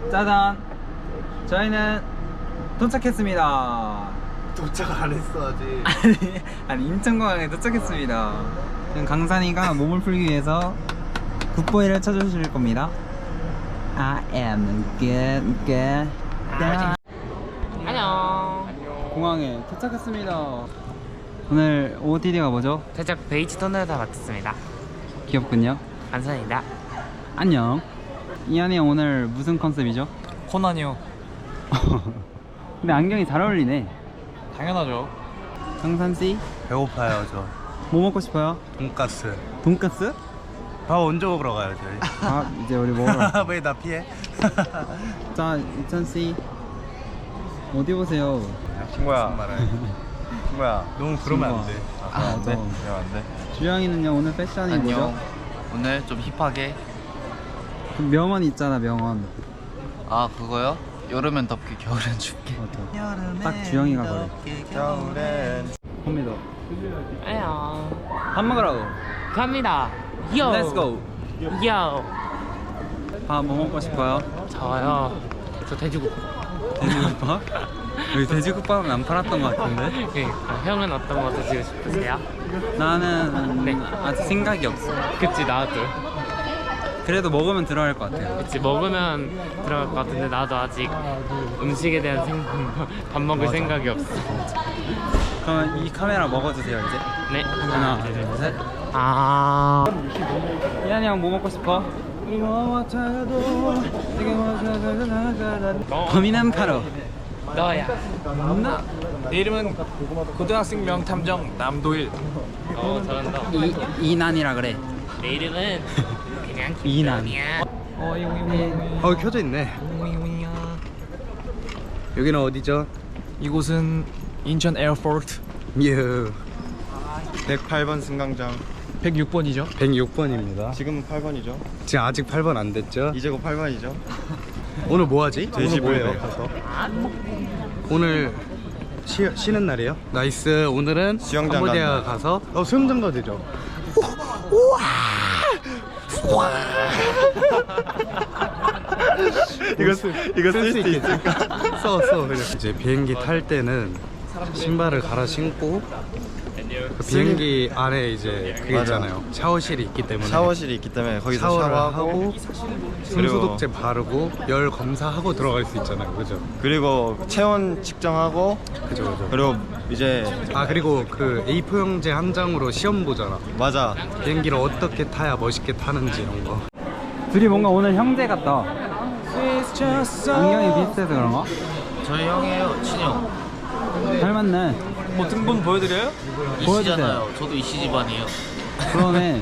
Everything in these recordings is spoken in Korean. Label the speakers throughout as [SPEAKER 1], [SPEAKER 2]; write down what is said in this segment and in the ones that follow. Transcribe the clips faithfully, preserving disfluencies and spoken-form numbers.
[SPEAKER 1] 짜잔! 저희는 도착했습니다.
[SPEAKER 2] 도착 안 했어 아직.
[SPEAKER 1] 아니, 아니 인천공항에 도착했습니다. 지금 강산이가 몸을 풀기 위해서 굿보이를 쳐주실 겁니다. I am good, good.
[SPEAKER 3] 안녕.
[SPEAKER 1] 공항에 도착했습니다. 오늘 오오티디가 뭐죠?
[SPEAKER 3] 살짝 베이지 톤을 다 맡았습니다.
[SPEAKER 1] 귀엽군요.
[SPEAKER 3] 감사합니다.
[SPEAKER 1] 안녕. 이한이 형 오늘 무슨 컨셉이죠?
[SPEAKER 4] 코난이요.
[SPEAKER 1] 근데 안경이 잘 어울리네.
[SPEAKER 4] 당연하죠.
[SPEAKER 1] 강산씨
[SPEAKER 2] 배고파요 저.
[SPEAKER 1] 뭐 먹고 싶어요?
[SPEAKER 2] 돈가스.
[SPEAKER 1] 돈까스?
[SPEAKER 2] 밥 언제 먹으러 가요 저희?
[SPEAKER 1] 아 이제 우리 먹으러.
[SPEAKER 2] 왜 나 피해?
[SPEAKER 1] 자 이천씨 어디 보세요?
[SPEAKER 2] 친구야. 친구야. 너무 그러면 안 돼.
[SPEAKER 1] 아, 아, 네.
[SPEAKER 2] 그러면 안 돼.
[SPEAKER 1] 주영이는요 오늘 패션이
[SPEAKER 4] 안녕.
[SPEAKER 1] 뭐죠?
[SPEAKER 4] 오늘 좀 힙하게.
[SPEAKER 1] 그 명언 있잖아 명언.
[SPEAKER 4] 아 그거요? 여름엔 덥게 겨울엔 춥게.
[SPEAKER 1] 맞아. 딱 주영이가 그래.
[SPEAKER 2] 겨울엔.
[SPEAKER 1] 봅니다.
[SPEAKER 3] 안녕.
[SPEAKER 1] 밥 먹으라고.
[SPEAKER 3] 갑니다. 요.
[SPEAKER 1] Let's go.
[SPEAKER 3] 요.
[SPEAKER 1] 밥 뭐 먹고 싶어요?
[SPEAKER 3] 저요. 저 돼지국.
[SPEAKER 1] 돼지국밥? 여기 돼지국밥은 안 팔았던 것 같은데?
[SPEAKER 3] 그러니까 형은 어떤 거 드시고 싶으세요?
[SPEAKER 1] 나는
[SPEAKER 3] 네.
[SPEAKER 1] 아직 생각이 없어.
[SPEAKER 3] 그치 나도.
[SPEAKER 1] 그래도 먹으면 들어갈 것 같아요.
[SPEAKER 3] 그치 먹으면 들어갈 것 같은데 나도 아직 음식에 대한 생각, 밥 먹을
[SPEAKER 1] 맞아.
[SPEAKER 3] 생각이 없어.
[SPEAKER 1] 그러면 이 카메라 먹어주세요 이제.
[SPEAKER 3] 네.
[SPEAKER 1] 하나,
[SPEAKER 3] 하나,
[SPEAKER 1] 둘,
[SPEAKER 3] 둘,
[SPEAKER 1] 셋.
[SPEAKER 3] 아.
[SPEAKER 1] 이한이 형 뭐 먹고 싶어? 범인은 바로
[SPEAKER 3] 너야.
[SPEAKER 1] 나.
[SPEAKER 4] 내 이름은 고등학생 명탐정 남도일.
[SPEAKER 3] 어 잘한다.
[SPEAKER 1] 이 이난이라 그래.
[SPEAKER 3] 내 이름은 그냥
[SPEAKER 1] 이난.
[SPEAKER 3] 김도현이야.
[SPEAKER 2] 어 켜져 있네. 여기는 어디죠?
[SPEAKER 4] 이곳은 인천 에어포트
[SPEAKER 2] 예. 백팔 번 승강장.
[SPEAKER 4] 백육 번이죠.
[SPEAKER 2] 백육 번입니다.
[SPEAKER 5] 지금은 팔 번이죠.
[SPEAKER 2] 지금 아직 팔 번 안 됐죠?
[SPEAKER 5] 이제 곧 팔 번이죠.
[SPEAKER 2] 오늘 뭐 하지?
[SPEAKER 5] 돼지
[SPEAKER 2] 오늘 뭐예요?
[SPEAKER 5] 가서
[SPEAKER 2] 오늘 쉬, 쉬는 날이에요? 나이스. 오늘은
[SPEAKER 5] 수영장
[SPEAKER 2] 캄보디아
[SPEAKER 5] 간다.
[SPEAKER 2] 가서 어 수영장 가도 되죠?
[SPEAKER 5] 이거 쓰, 이거 쓸 수 있을까?
[SPEAKER 2] 써, 써. 그냥. 이제 비행기 탈 때는 신발을 갈아 신고 그 비행기 안에 이제 그게
[SPEAKER 5] 맞아.
[SPEAKER 2] 있잖아요. 샤워실이 있기 때문에
[SPEAKER 5] 샤워실이 있기 때문에 거기서
[SPEAKER 2] 샤워를
[SPEAKER 5] 샤워하고
[SPEAKER 2] 하고 손소독제 바르고 열 검사하고 들어갈 수 있잖아요. 그죠?
[SPEAKER 5] 그리고 체온 측정하고
[SPEAKER 2] 그죠, 그죠.
[SPEAKER 5] 그리고 이제
[SPEAKER 2] 아 그리고 그 에이 사 용지 한 장으로 시험 보잖아.
[SPEAKER 5] 맞아.
[SPEAKER 2] 비행기를 어떻게 타야 멋있게 타는지 이런 거.
[SPEAKER 1] 둘이 뭔가 오늘 형제 같다. 안경이 비슷해서 그런가?
[SPEAKER 4] 저희 형이에요, 친형.
[SPEAKER 1] 닮았네.
[SPEAKER 4] 뭐 등본 보여드려요?
[SPEAKER 1] 보여주세요.
[SPEAKER 4] 저도 이씨 집안이에요.
[SPEAKER 1] 그러네.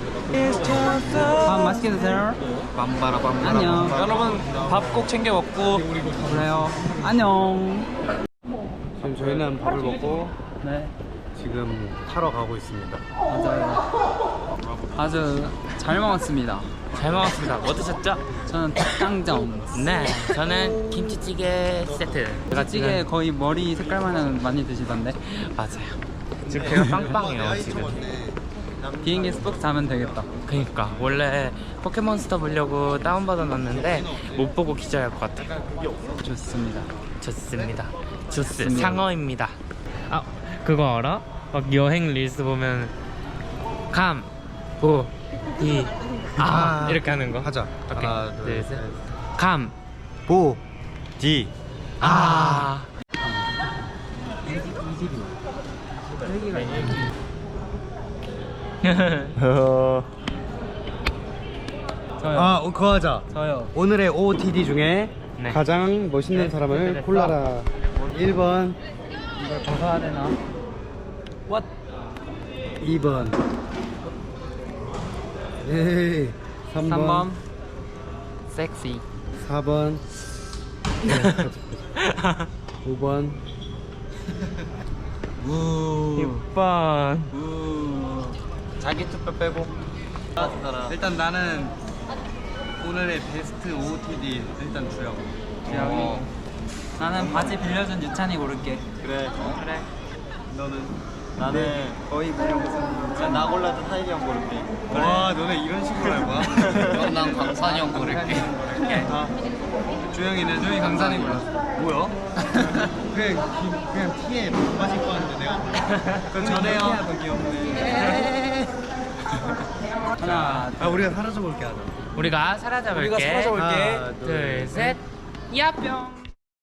[SPEAKER 1] 밥 맛있게 드세요.
[SPEAKER 4] 빰바라빰.
[SPEAKER 1] 안녕.
[SPEAKER 4] 여러분 밥 꼭 챙겨 먹고.
[SPEAKER 1] 그래요. 안녕.
[SPEAKER 2] 지금 저희는 밥을 먹고
[SPEAKER 1] 네.
[SPEAKER 2] 지금 타러 가고 있습니다.
[SPEAKER 1] 맞아요. 아주 잘 먹었습니다.
[SPEAKER 3] 잘 먹었습니다. 뭐 드셨죠?
[SPEAKER 1] 저는 닭강정.
[SPEAKER 3] 네. 저는 김치찌개 세트. 제가
[SPEAKER 1] 찌개 거의 머리 색깔만 많이 드시던데.
[SPEAKER 3] 맞아요. 지금 배가 빵빵해요 지금.
[SPEAKER 1] 비행기에서 푹 자면 되겠다.
[SPEAKER 3] 그니까 원래 포켓몬스터 보려고 다운받아 놨는데 못 보고 기절할 것 같아요.
[SPEAKER 1] 좋습니다.
[SPEAKER 3] 좋습니다. 주스
[SPEAKER 1] 좋습니다.
[SPEAKER 3] 상어입니다. 아 그거 알아? 막 여행 릴스 보면 감, 보, 이, 아,
[SPEAKER 2] 아,
[SPEAKER 3] 이렇게 하는 거.
[SPEAKER 2] 하자.
[SPEAKER 3] 오케이.
[SPEAKER 2] 하나, 둘,
[SPEAKER 3] 둘, 셋.
[SPEAKER 2] 셋.
[SPEAKER 3] 감,
[SPEAKER 2] 보.
[SPEAKER 5] D.
[SPEAKER 3] 아.
[SPEAKER 1] 저요.
[SPEAKER 2] 아, 어, 그거 하자.
[SPEAKER 1] 저요.
[SPEAKER 2] 오늘의 오오티디 중에
[SPEAKER 3] 네.
[SPEAKER 2] 가장 멋있는
[SPEAKER 3] 네,
[SPEAKER 2] 사람을
[SPEAKER 3] 됐어.
[SPEAKER 2] 골라라. 일 번,
[SPEAKER 1] 이걸 벗어야 되나? What?
[SPEAKER 2] 이 번. 에이, 삼 번,
[SPEAKER 1] 삼 번. 섹시.
[SPEAKER 2] 사 번, 오 번.
[SPEAKER 3] 육 번.
[SPEAKER 1] 우. 자기 투표 빼고. 일단 나는 오늘의 베스트 오오티디 일단 주영. 주영이. 나는 바지 빌려준 유찬이 고를게.
[SPEAKER 5] 그래.
[SPEAKER 1] 그래.
[SPEAKER 5] 너는 나는
[SPEAKER 1] 거의 그냥 무슨 유찬이.
[SPEAKER 5] 그러면 나 골라서 타이리 형 고를게.
[SPEAKER 2] 와 너네 이런 식으로 할 거야?
[SPEAKER 3] 그럼 난 강산이 형 고를게.
[SPEAKER 2] 아, 주영이는 주영이 강산이 골랐어. 뭐야? 그냥 기- 그냥 티에 빠질 거 같은데 내가. 그건 전에요. 더 귀엽네. 하나. 아 우리가 사라져 볼게 하자.
[SPEAKER 3] 우리가 사라져 볼게.
[SPEAKER 4] 우리가 사라져 볼게.
[SPEAKER 2] 하나,
[SPEAKER 3] 둘, 셋. 야뿅.